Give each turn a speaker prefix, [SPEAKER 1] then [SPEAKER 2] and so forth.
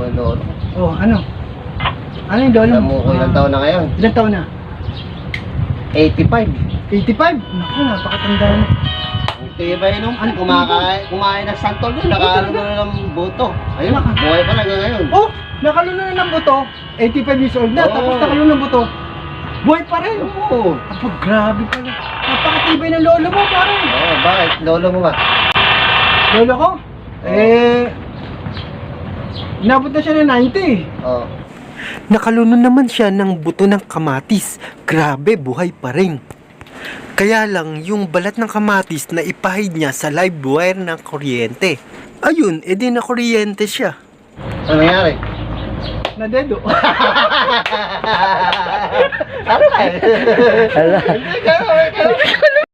[SPEAKER 1] ko yung lolo.
[SPEAKER 2] Oh, ano? Ano yung lolo
[SPEAKER 1] Alam mo kung ilang taon na ngayon?
[SPEAKER 2] Ilang taon na?
[SPEAKER 1] 85.
[SPEAKER 2] 85? Naku, napakatanda na.
[SPEAKER 1] Hindi ba yun? Kumain ng santol doon. Nakaano na ng buto. Ayun,
[SPEAKER 2] Naka-
[SPEAKER 1] buhay pa na hanggang ngayon.
[SPEAKER 2] Oh, nakalunod na ng buto. 85 years old na.
[SPEAKER 1] Oo.
[SPEAKER 2] Tapos nakalunod ng buto. Buhay pa rin.
[SPEAKER 1] Oo.
[SPEAKER 2] Apo, grabe pala. Napakatibay ng lolo mo, pare.
[SPEAKER 1] Oo, bakit? Lolo mo ba?
[SPEAKER 2] Lolo ko? Inabot na siya ng 90.
[SPEAKER 1] Oo.
[SPEAKER 3] Nakaluno naman siya ng buto ng kamatis. Grabe, buhay pa rin. Kaya lang, yung balat ng kamatis na ipahid niya sa live wire ng kuryente. Ayun, edi na kuryente siya.
[SPEAKER 1] Ano nangyari?
[SPEAKER 2] Nadedo.
[SPEAKER 1] Ano ba? Hindi ka